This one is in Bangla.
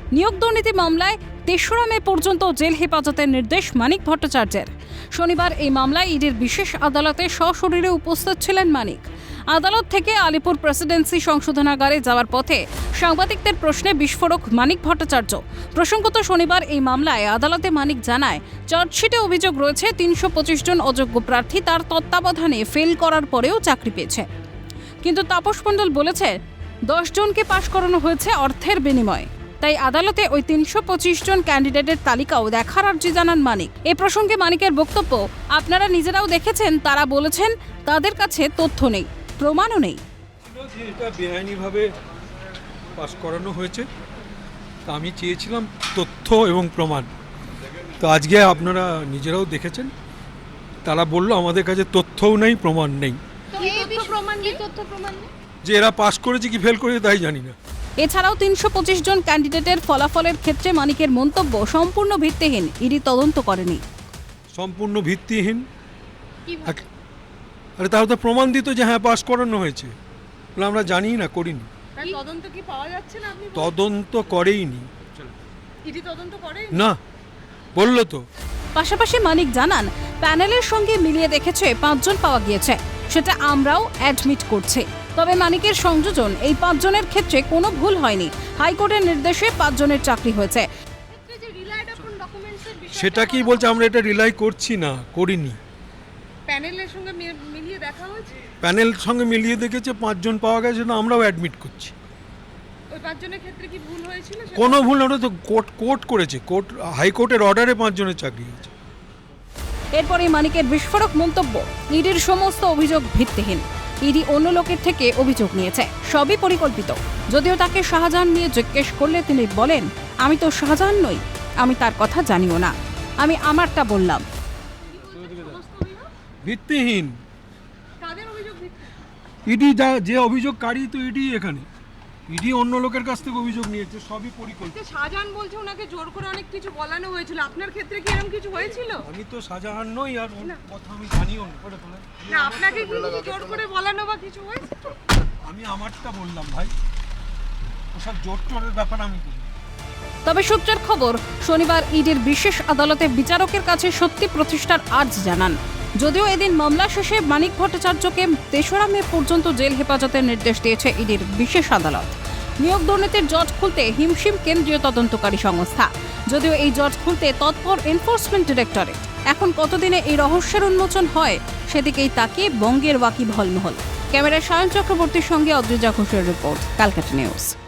নিয়োগ দুর্নীতি মামলায় ৩রা মে পর্যন্ত জেল হেফাজতের নির্দেশ মানিক ভট্টাচার্যের। শনিবার এই মামলায় ইডির বিশেষ আদালতে সশরীরে উপস্থিত ছিলেন মানিক। আদালত থেকে আলিপুর প্রেসিডেন্সি সংশোধনাগারে যাওয়ার পথে সাংবাদিকদের প্রশ্নে বিস্ফোরক মানিক ভট্টাচার্য। প্রসঙ্গত, শনিবার এই মামলায় আদালতে মানিক জানায়, চার্জশিটে অভিযোগ রয়েছে ৩২৫ জন অযোগ্য প্রার্থী তার তত্ত্বাবধানে ফেল করার পরেও চাকরি পেয়েছে। কিন্তু তাপস মণ্ডল বলেছে ১০ জনকে পাশ করানো হয়েছে অর্থের বিনিময়ে। তাই আদালতে ওই ৩২৫ জন ক্যান্ডিডেটের তালিকাও দেখার আর্জি জানান মানিক। এ প্রসঙ্গে মানিকের বক্তব্য, আপনারা নিজেরাও দেখেছেন, তারা বলেছেন তাদের কাছে তথ্য নেই, প্রমাণও নেই। এটা বেআইনিভাবে পাস করানো হয়েছে, তা আমি চেয়েছিলাম তথ্য এবং প্রমাণ। তো আজকে আপনারা নিজেরাও দেখেছেন, তারা বলল আমাদের কাছে তথ্যও নেই, প্রমাণ নেই। যে এরা পাস করেছে কি ফেল করেছে তাই জানি না। এছাড়াও ৩২৫ জন ক্যান্ডিডেটের ফলাফলের ক্ষেত্রে মানিকের মন্তব্য সম্পূর্ণ ভিত্তিহীন, ইডি তদন্ত করেনি। সম্পূর্ণ ভিত্তিহীন? আরে তাহলে তো প্রমাণ দিত যে হ্যাঁ পাস করানো হয়েছে। আমরা জানি না, করিনি। তদন্ত কি পাওয়া যাচ্ছে না? আপনি তদন্ত করেইনি। ইডি তদন্ত করে না, বললো তো। পাশাপাশি মানিক জানান, প্যানেলের সঙ্গে মিলিয়ে দেখেছে ৫ জন পাওয়া গিয়েছে, সেটা আমরাও অ্যাডমিট করছি। তবে মানিকের সংযোজন এই ৫ জনের ক্ষেত্রে কোনো ভুল হয়নি। হাইকোর্টের নির্দেশে ৫ জনের চাকরি হয়েছে। সেটা কি বলছে? আমরা এটা রিলাই করছি না, করিনি। প্যানেলের সঙ্গে মিলিয়ে দেখা হয়েছে, প্যানেল সঙ্গে মিলিয়ে দেখেছে ৫ জন পাওয়া গেছে, না আমরাও অ্যাডমিট করছি। ওই ৫ জনের ক্ষেত্রে কি ভুল হয়েছিল? কোনো ভুল না, ওটা তো কোর্ট করেছে। হাইকোর্টের অর্ডারে ৫ জনের চাকরি হয়েছে। এরপরই মানিকের বিস্ফোরক মন্তব্য, ইডির সমস্ত অভিযোগ ভিত্তিহীন। ইডি অন্য লোকের থেকে অভিযোগ নিয়েছে, সবই পরিকল্পিত। যদিও তাকে শাহজাহান নিয়ে জিজ্ঞেস করলে তিনি বলেন, আমি তো শাহজাহান নই, আমি তার কথা জানিও না, আমি আমারটা বললাম। ভিত্তিহীন। তাদের অভিযোগ ভিত্তিহীন। ইডি যে অভিযোগকারী, তো ইডি এখানে ইডি অন্য লোকের কাছ থেকে অভিযোগ নিয়েছে, সবই পরিকল্পিত। শাহজাহান বলছে ওনাকে জোর করে অনেক কিছু বলানো হয়েছিল, আপনার ক্ষেত্রে কি এরকম কিছু হয়েছিল? আমি তো শাহজাহান নই, আর কথা আমি জানিও না। না, আপনাকে কি জোর করে বলানো বা কিছু হয়েছে? আমি আমারটা বললাম ভাই, ওসব জোর টোরের ব্যাপার আমি করি। তবে সূত্রের খবর, শনিবার ইডির বিশেষ আদালতে বিচারকের কাছে সত্যি প্রতিষ্ঠার আর্জ জানান। যদিও এদিন মামলা শেষে মানিক ভট্টাচার্যকে ৩রা মে পর্যন্ত জেল হেফাজতের নির্দেশ দিয়েছে ইডির বিশেষ আদালত। নিয়োগ দুর্নীতির জট খুলতে হিমশিম কেন্দ্রীয় তদন্তকারী সংস্থা। যদিও এই জট খুলতে তৎপর এনফোর্সমেন্ট ডিরেক্টরেট। এখন কতদিনে এই রহস্যের উন্মোচন হয়, সেদিকেই তাকিয়ে বঙ্গের ওয়াকিবহাল মহল। ক্যামেরায় সায়ন চক্রবর্তীর সঙ্গে অদ্রিজা ঘোষের রিপোর্ট, ক্যালকাটা নিউজ।